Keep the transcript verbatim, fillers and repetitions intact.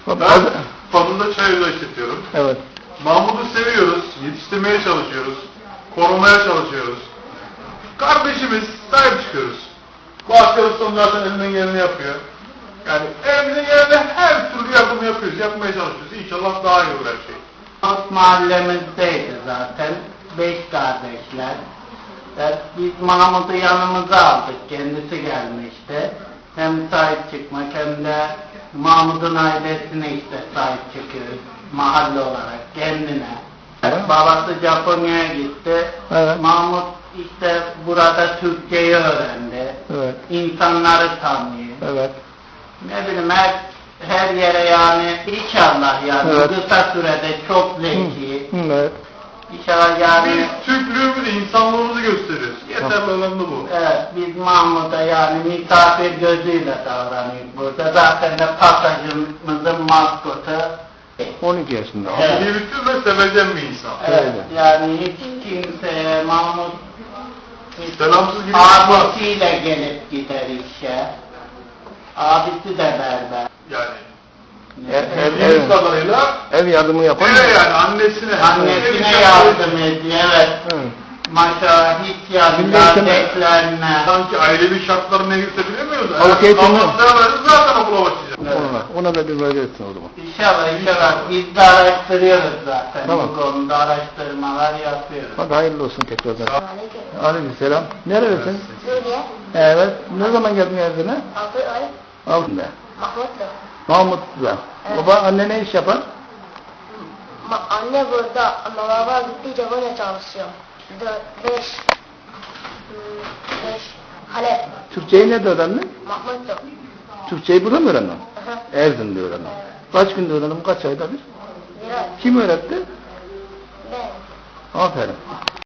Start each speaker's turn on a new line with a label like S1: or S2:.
S1: Ben Fadıl'da çay ocağı işletiyorum.
S2: Evet.
S1: Mahmut'u seviyoruz, yetiştirmeye çalışıyoruz, korumaya çalışıyoruz. Kardeşimiz, sahip çıkıyoruz. Bu arkadaşlar zaten elinden geleni yapıyor. Yani elimizden geleni her türlü yardım yapıyoruz, yapmaya çalışıyoruz. İnşallah daha iyi olur her şey.
S3: Mahmut mahallemizdeydi zaten. Beş kardeşler. Evet, biz Mahmut'u yanımıza aldık. Kendisi gelmişti. Hem sahip çıkmak hem de Mahmut'un ailesine işte sahip çıkıyoruz. Mahalle olarak kendine.
S2: Evet.
S3: Babası Japonya'ya gitti.
S2: Evet.
S3: Mahmut işte burada Türkçeyi öğrendi.
S2: Evet.
S3: İnsanları tanıyor.
S2: Evet.
S3: Ne bileyim her, her yere yani inşallah yani
S2: Evet.
S3: kısa sürede çok zeki.
S2: Evet.
S3: İnşallah yani.
S1: Biz Türklüğümüzü, insanlığımızı gösteriyoruz. Yeterli olan da bu.
S3: Evet, biz Mahmut'a yani misafir gözüyle davranıyoruz burada. Zaten de pasajımızın maskotu.
S2: on iki yaşında.
S3: Evet.
S1: İyi bütün ve sevecen bir insan.
S3: Evet,
S2: Öyle.
S3: yani hiç kimseye Mahmut
S1: Selamsız gibi yapmaz.
S3: abisiyle gelip gider işe. Abisi de berber.
S1: Yani.
S2: Ev, ev,
S1: Bildiğimiz
S2: ev,
S1: kadarıyla
S2: ev yardımı yapan mı?
S1: eve yani annesine.
S3: Annesine
S1: ev
S3: yardım ediyor, evet.
S2: Hı.
S3: Maşallah hiç yani
S2: Milli eğitim-
S3: kardeşlerine.
S1: Sanki ailevi şartları ne girse bilemiyoruz.
S2: Halk eğitimi-
S1: Allah'tan veririz zaten okula başlayacak.
S2: Ona, ona da bir böyle etsin o zaman.
S3: İnşallah inşallah biz de araştırıyoruz zaten.
S2: Tamam.
S3: Bu konuda araştırmalar yapıyoruz.
S2: Hadi hayırlı olsun tekrardan.
S4: Aleyküm.
S2: Aleykümselam. Nerelisin?
S4: Suriye.
S2: Evet. Ne zaman geldin evine?
S4: Altı ay.
S2: Altında.
S4: Mahmutlu.
S2: Mahmut'la.
S4: Evet.
S2: Baba anne ne iş yapar?
S4: Ma anne burada ama baba gitti Japonya çalışıyor. Dört, beş. Hmm, beş. Halep.
S2: Türkçeyi nerede öğrendin?
S4: Mahmutlu.
S2: Türkçeyi burada mı öğrendin?
S4: Aha.
S2: Erzin'de öğrendin.
S4: Evet.
S2: Kaç günde öğrendin? Kaç ayda bir?
S4: Bir ay.
S2: Kim öğretti?
S4: Ben.
S2: Aferin.